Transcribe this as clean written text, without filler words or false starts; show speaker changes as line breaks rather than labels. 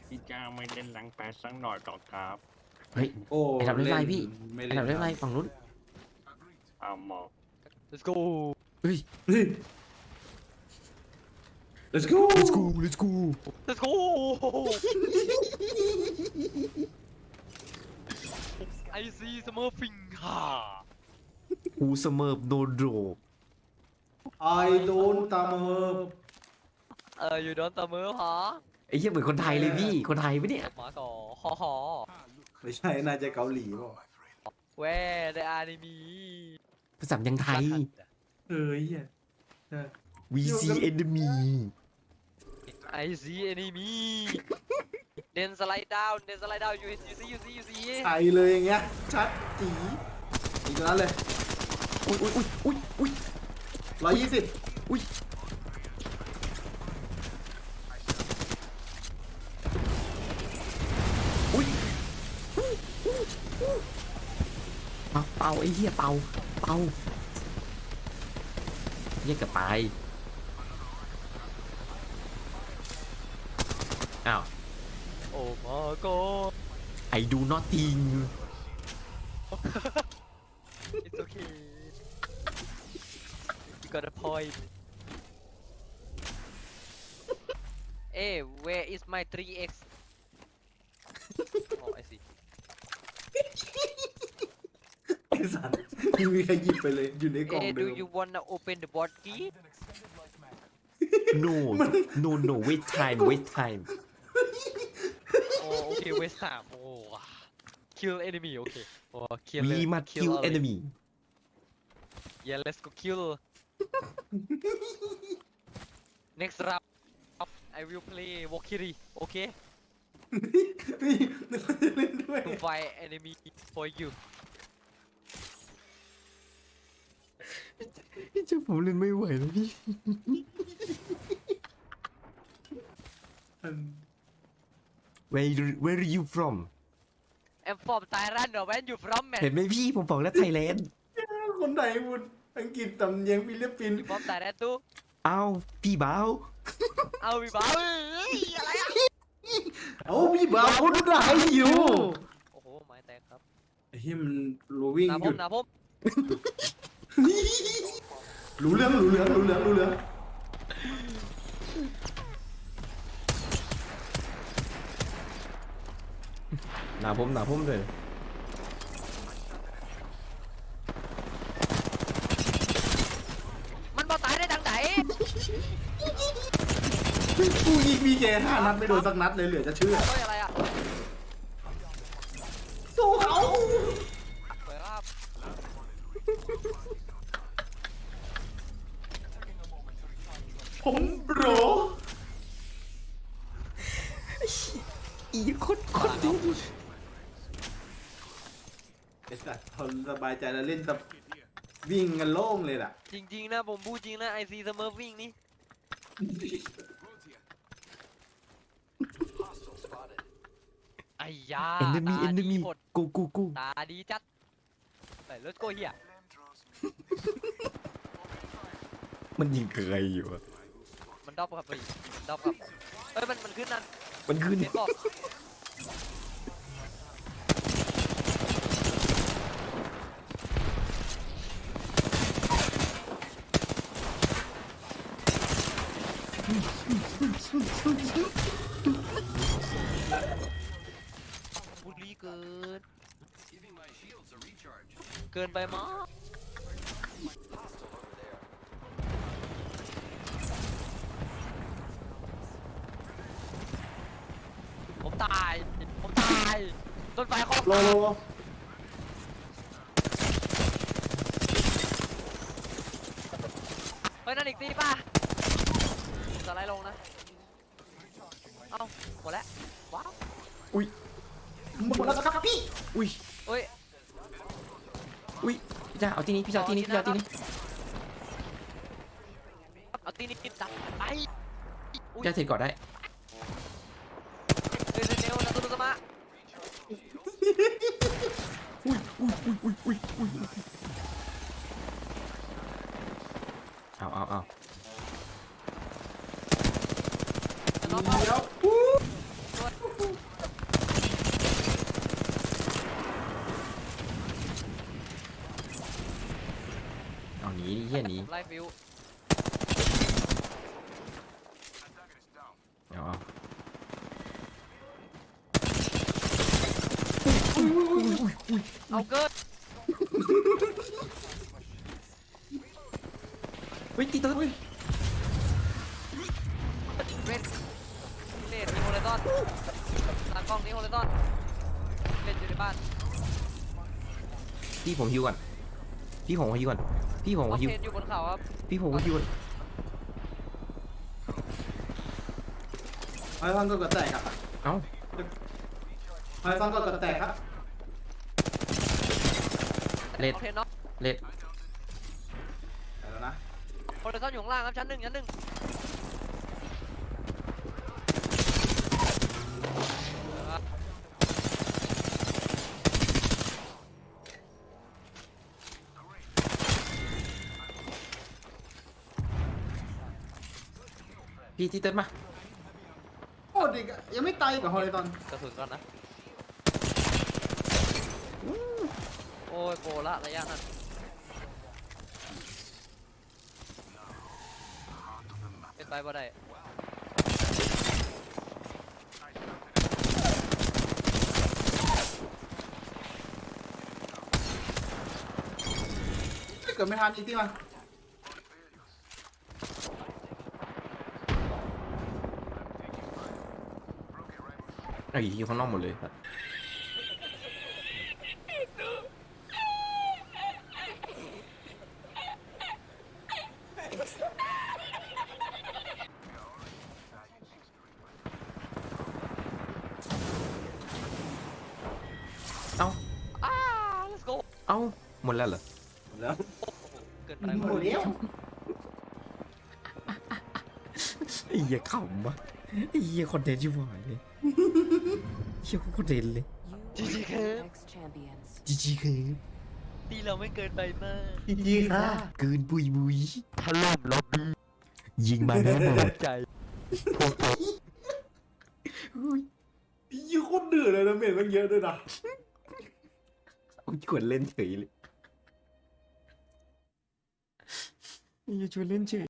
พี่จ้าไม่เล่นหลังแปดสักหน่อยหรอกครับ
เฮ้ย
โอ้
ไอ้ดับเล่นไรพี่
ไม่
ไอ้
เล่น
ดับเล่นไรฝั่งนู้น
เอาหมอก
let's go
เฮ้ย
เฮ้ย let's go
let's go let's go
let's go I see smurfing ฮ่า
กูเสมอโดนโด
I don't ตามมา
อยู่โดนตะมือหรอ
ไอ้เหี้ยเหมือนคนไทยเลยพี่คนไทยปะเนี่ย
มาก่อหอ
ไม่ใช่น่าจะเกาหลีเปล่า
แวได้อานิมี
ภาษายังไทย
เฮ้ยเหี้ยเออ
we see enemy
I see enemy then slide down you see
ไทยเลยอย่างเงี้ยชัดจีอีกแล้วเลย
อุ้ยอุ้ยอุ้ยอุ้ย
120
อุ้ยอุ้ยเป่าไอ้เหี้ยเป่าเหี้ยกับไปอ้าว
oh my god
I do nothing
it's okay you got a point hey where is my 3x oh I see
ไอ้สัตว์ไม่มีใครหยิบไปเลยอยู่ในกล่อง
hey
เดิ
do
ม
you wanna open the bot key
no no wait time
oh okay waste time oh kill enemy okay oh kill
we must kill
early.
enemy
yeah let's go kill next round I will play Valkyrie okay
นี่นึกว่าจะเล่นด้วย
to fight enemy for you
พี่เจ้าผมเล่นไม่ไหวแล้วพี่ where are you from
I'm from Thailand or when you from man
เห็นไหมพี่ผมบอกแล้วไทยแลนด์
คนไทยพูดอังกฤษตำเนียงฟิลิปปินส์
you from Thailand too
อ้าวพี่บ่าว
เอาพี่บ้าเอ้ยอะไรอ่ะ
เอ้าพี่บ่าวพูดไทยอยู่
โอ้โหไม้แตกครับ
ไอ้เหี้ยมันรู้วิ่ง
หนา
ห
ผ
ยุ
ม
ด
หนาผม
รู้เรื่อง
หนาผมเลย
มันมาตายได้ทางไหน
กูยิงมีแก5 นัดไม่โดนสักนัดเลยเหลือจะเชื่อ
เฮ้ยอะไรอ่ะ
สู้เขา
สวยครับ
ผมโปร
อีโคตรดี
ไอ้สัตว์ทนสบายใจแล้วเล่นแต่วิ่งกันโล่งเลยล่ะ
จริงๆนะผมพูดจริงนะไอซีเสมอวิ่งนี่ไอ้ยา
enemy
ตาดี
enemy
หมด
กู
ตาดีจัดไปรถโกเฮีย
มันยิงใครอยู่อะ
มันดรอปครับพี่ดรอปครับเอ้ยมันขึ้นนั่น
มันขึ้น
เห็นบอกบุรีเกินเกินไปมั้งผมตายต้นไฟเขา
โลโล
เฮ้ยนั่นอีกตีป่ะสไลด์ลงนะเอ้าหมดแล้วว้าว
อุ้ย
หมดแล้วครับพี่
อุ้ย
เฮ้ย
อุ้ยพี่จ้าเอาที่นี้พี่จ้าเอาที่นี้
เอาตีนี่กินตับไปอุ้ย
จ้าเทรดก่อนได้
เร็วๆนะตุลสมา
อุ้ยเอา
น้อง
เดี๋ยว
ไล่ฟิว
เอา
เอาเกิน
เฮ้ยตีตัวเฮ้ย
เวทเลดมีโฮลิซอนตากล้องนี้โฮลิซอนเล่นอยู่ในบ้าน
พี่ผมฮิวก่อนพี่ผมฮิวก่อนพี่ผม
คอน
ฮิว
เทนต์อยู่บนเขาครับ
พี่ผมฮิวก่อน
ไอ้ท่อนก็กระแตกครับ
เอ้า
ไอ้ท่อนก็กระแตกครับ
เลด
คอนเทนต์เนาะ
เลด
ไปแล้วนะ
โฮลิซอนอยู่ข้างล่างครับชั้นหนึ่ง
พี่ตีเต้นมา
โอ้ดิยังไม่ตายกับฮอริซอน
กระสุนก่อนนะโอ้ยโกละระยะนั้นเป็นไปบ่ได้
ถ้าเกิดไม่ทันอีกที่มัน
ไอ้อยู่ข้างนอกหมดเลยครับเอ้า
let's go
เอ้าหมดแล้วเหรอ
แล้ว
เกินไป
หมดแล้ว
ไอ้เหี้ยขำวะไอ้เหี้ยคอนเทนต์ชิบหายเลยเหี้ยคอนเทนต์เลย
จริงๆครับ
Next champions.
จีจีคือ
ตีเราไม่เกินไปมาก
จีค่ะ
เกินบุยบุย
ถล่มล็อบบี้
ยิงมาแน่นอน
ใจ
ยี่โคตรเดือดเลยนะเมทมันเยอะด้วยนะ
เอาชวนเล่นเฉยเลยอย่าชวนเล่นเฉย